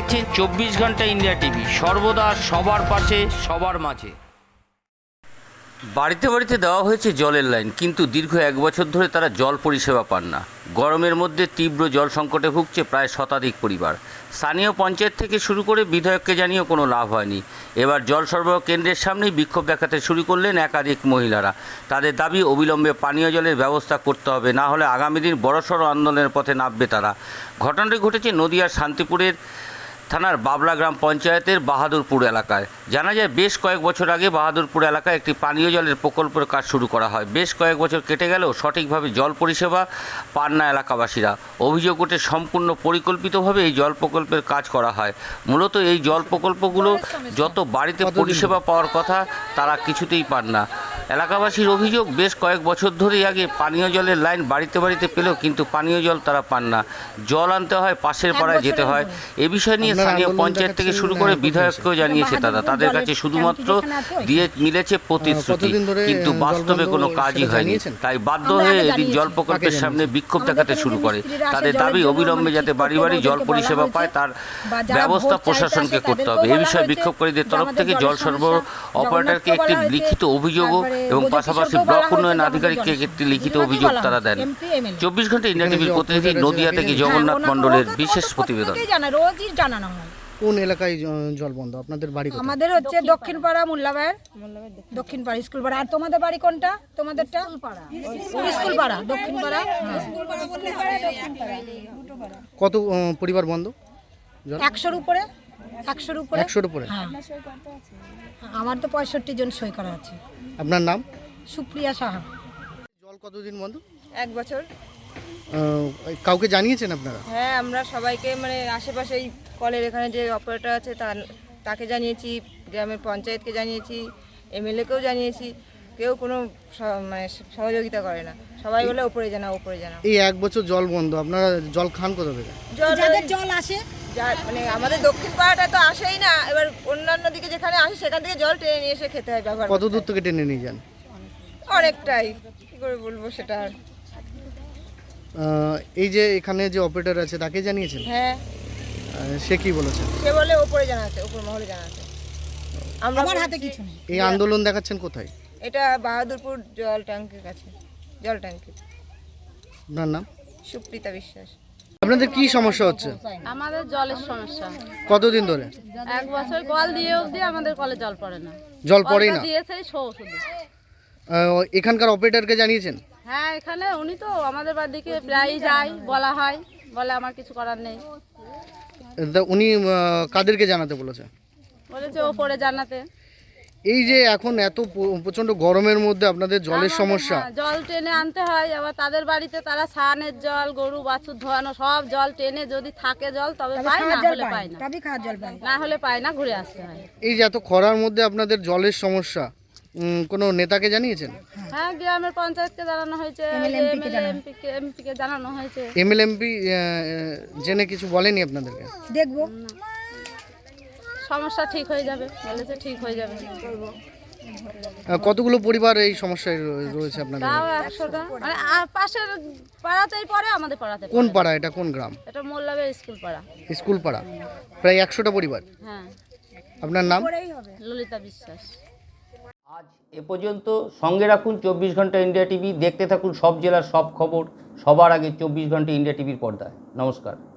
দেখছেন 24 ঘন্টা India TV, সর্বদা সবার পাশে সবার মাঝে। বাড়িতে বাড়িতে দেওয়া হয়েছে জলের লাইন, কিন্তু দীর্ঘ 1 বছর ধরে তারা জল পরিষেবা পান না। গরমের মধ্যে তীব্র জল সংকটে ভুগছে প্রায় শতাধিক পরিবার। স্থানীয় পঞ্চায়েত থেকে শুরু করে বিধায়ককে জানিয়েও কোনো লাভ হয়নি। এবার জল সরবরাহ কেন্দ্রের সামনেই বিক্ষোভ দেখাতে শুরু করলেন একাধিক মহিলারা। তাদের দাবি অবিলম্বে পানীয় জলের ব্যবস্থা করতে হবে, না হলে আগামী দিন বড়সড় আন্দোলনের পথে নামবে তারা। ঘটনাটি ঘটেছে নদিয়ার শান্তিপুরের থানার বাবলা গ্রাম পঞ্চায়েতের বাহাদুরপুর এলাকায়। জানা যায় বেশ কয়েক বছর আগে বাহাদুরপুর এলাকায় একটি পানীয় জলের প্রকল্পের কাজ শুরু করা হয়। বেশ কয়েক বছর কেটে গেলেও সঠিকভাবে জল পরিষেবা পান না এলাকাবাসীরা। অভিযোগ ওঠে সম্পূর্ণ পরিকল্পিতভাবে এই জল প্রকল্পের কাজ করা হয়। মূলত এই জল প্রকল্পগুলো যত বাড়িতে পরিষেবা পাওয়ার কথা তারা কিছুতেই পান না। এলাকাবাসীর অভিযোগ, বেশ কয়েক বছর ধরেই আগে পানীয় জলের লাইন বাড়িতে বাড়িতে পেলেও কিন্তু পানীয় জল তারা পান না। জল আনতে হয় পাশের পাড়ায় যেতে হয়। এ বিষয় নিয়ে স্থানীয় পঞ্চায়েত থেকে শুরু করে বিধায়ককেও জানিয়েছে তারা। তাদের কাছে শুধুমাত্র দিয়ে মিলেছে প্রতিশ্রুতি, কিন্তু বাস্তবে কোনো কাজই হয়নি। তাই বাধ্য হয়ে এদিন জল প্রকল্পের সামনে বিক্ষোভ দেখাতে শুরু করে। তাদের দাবি অবিলম্বে যাতে বাড়ি বাড়ি জল পরিষেবা পায় তার ব্যবস্থা প্রশাসনকে করতে হবে। এ বিষয়ে বিক্ষোভকারীদের তরফ থেকে জল সরবরাহ অপারেটরকে একটি লিখিত অভিযোগও এবং পাশাপাশি ব্লক উন্নয়ন আধিকারিককে একটি লিখিত অভিযোগ তারা দেন। 24 ঘন্টা ইন্ডিয়া টিভির প্রতিনিধি নদিয়া থেকে জগন্নাথ মণ্ডলের বিশেষ প্রতিবেদন। রোজই জানানো হয়। কোন এলাকায় জল বন্ধ? আপনাদের বাড়ি কোথায়? আমাদের হচ্ছে দক্ষিণ পাড়া, মোল্লাবাইয়ের দক্ষিণ পাড়া স্কুল পাড়া। আর তোমাদের বাড়ি কোনটা? তোমাদেরটা স্কুল পাড়া, দক্ষিণ পাড়া। কত পরিবার বন্ধ? 100-র উপরে। 100-র উপরে? হ্যাঁ, আমার তো 65 জন সই করা আছে। আপনার নাম? সুপ্রিয়া সাহা। জল কতদিন বন্ধ? 1 বছর। কাউকে জানিয়েছেন আপনারা? হ্যাঁ, আমরা সবাইকে মানে আশেপাশে এই কলের এখানে যে অপারেটর আছে তাকে জানিয়েছি, গ্রামের পঞ্চায়েতকে জানিয়েছি, এমএলএকেও জানিয়েছি। কেউ কোনো মানে সহযোগিতা করে না। সবাই বলে ওপরে জানাও, ওপরে জানাও। এই 1 বছর জল বন্ধ, আপনারা জল খান কোথা থেকে? যাদের জল আসে, মানে আমাদের দক্ষিণ পাড়াটা তো আসেই না। এবার অন্যান্য দিকে যেখানে আসে সেখান থেকে জল টেনে নিয়ে এসে খেতে হয়, ব্যবহার কত দূর থেকে টেনে নিয়ে যান? অনেকটাই, কি করে বলবো সেটা। এই যে এখানে যে অপারেটর আছে তাকে জানিয়েছেন? হ্যাঁ, সে কি বলেছে? সে বলে ওপরে জানাতে, ওপর মহলে জানাতে। আমার হাতে কিছু নেই। এই আন্দোলন দেখাচ্ছেন কোথায়? এটা বাহাদুরপুর জল ট্যাঙ্কির কাছে, জল ট্যাঙ্কি। আপনার নাম? সুপ্রিতা বিশ্বাস। আপনাদের কি সমস্যা হচ্ছে? আমাদের জলের সমস্যা। কতদিন ধরে? 1 বছর কল দিয়ে অবধি আমাদের কলে জল পড়ে না। জল পড়েই না? দিয়েছে শো শুধু। এখানকার অপারেটরকে জানিয়েছেন? হ্যাঁ, এখানে উনি তো আমাদের বাড়িতে প্রায়ই যায়, বলা হয়, বলে আমার কিছু করার নেই। উনি কাদেরকে জানাতে বলেছে? বলেছে ওপরে জানাতে। এই যে এখন এত প্রচন্ড গরমের মধ্যে আপনাদের জলের সমস্যা, জল টেনে আনতে হয়। আবার তাদের বাড়িতে তারা স্নানের জল, গরু বাছুর ধোয়ানো সব জল টেনে যদি থাকে জল তবে পায়, না হলে পায় না। না হলে পায় না, ঘুরে আসতে হয়। এই যে এত খরার মধ্যে আপনাদের জলের সমস্যা, কোনো নেতাকে জানিয়েছেন? হ্যাঁ, গ্রামের পঞ্চায়েতকে জানানো হয়েছে, এমপিকে জানানো হয়েছে। এমএলএমপি জেনে কিছু বলেনি আপনাদেরকে? দেখবো, সমস্যা ঠিক হয়ে যাবে বলেছে, ঠিক হয়ে যাবে। কতগুলো পরিবার এই সমস্যায় রয়েছে আপনাদের? তাও 100টা, মানে পাশের পাড়াতেই পড়ে, আমাদের পাড়াতে। কোন পাড়া এটা? কোন গ্রাম? এটা মোল্লাবের স্কুল পাড়া। স্কুল পাড়া, প্রায় 100টা পরিবার। হ্যাঁ। আপনার নাম? ললিতা বিশ্বাস। আজ এ পর্যন্ত। সঙ্গে রাখুন 24 ঘন্টা ইন্ডিয়া টিভি। দেখতে থাকুন সব জেলার সব খবর সবার আগে 24 ঘন্টা ইন্ডিয়া টিভির পর্দায়। নমস্কার।